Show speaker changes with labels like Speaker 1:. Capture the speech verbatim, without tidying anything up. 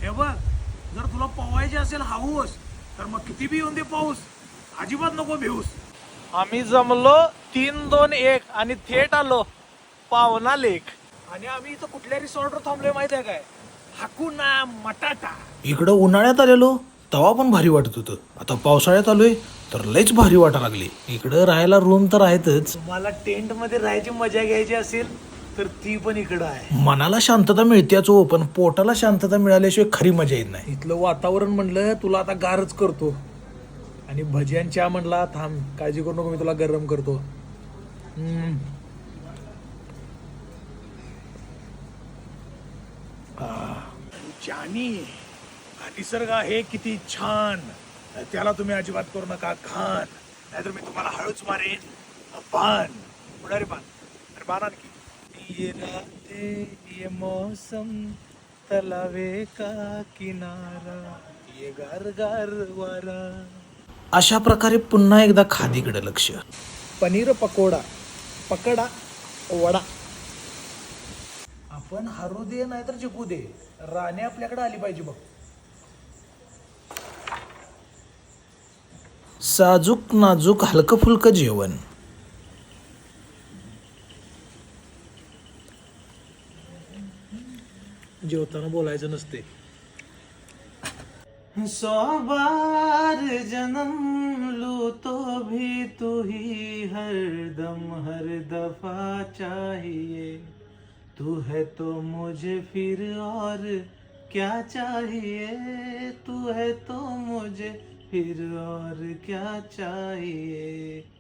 Speaker 1: हे बघ, जर तुला पोवायची असेल हाऊस तर मग किती बी येऊन दे पाऊस, अजिबात नको भिऊस. आम्ही जमलो तीन दोन एक आणि थेट आलो पावना लेक. आणि आम्ही इथं कुठल्या रिसॉर्टवर थांबलोय माहिती आहे काय? हाकुना मटाटा.
Speaker 2: इकडं उन्हाळ्यात आलेलो तेव्हा पण भारी वाटत होतं, आता पावसाळ्यात आलोय तर लयच भारी वाटा लागली. इकडं राहायला रूम तर आहेतच,
Speaker 1: तुम्हाला टेंट मध्ये राहायची मजा घ्यायची असेल तर ती पण इकडं आहे.
Speaker 2: मनाला शांतता मिळतेच हो, पण पोटाला शांतता मिळाल्याशिवाय खरी मजा येत नाही.
Speaker 1: इथलं वातावरण म्हणलं तुला आता गारच करतो, आणि भज्यांच्या म्हणला थांब काळजी करू नको, मी तुला गरम करतो. हम्म. जानी, हा निसर्ग आहे किती छान, त्याला तुम्ही अजिबात करू नका घाण, नाहीतर मी तुम्हाला हळूच मारेन. बाण उडारे बाण, अरे बाण आणखी. ये राते ये मौसम तलावे का किनारा, ये गार गार वारा.
Speaker 2: अशा प्रकारे पुन्हा एकदा खादीकडे लक्ष.
Speaker 1: पनीर पकोडा, पकडा वडा. आपण हरू दे नाहीतर जिंकू दे, राणे आपल्याकडे आली पाहिजे बघ.
Speaker 2: साजूक नाजूक हलकं फुलकं जेवण.
Speaker 1: जेवताना बोलायचं नसते. सौ बार जन्म लू तो भी तू ही हर दम हर दफा चाहिए, तू है तो मुझे फिर और क्या चाहिए, तू है तो मुझे फिर और क्या चाहिए.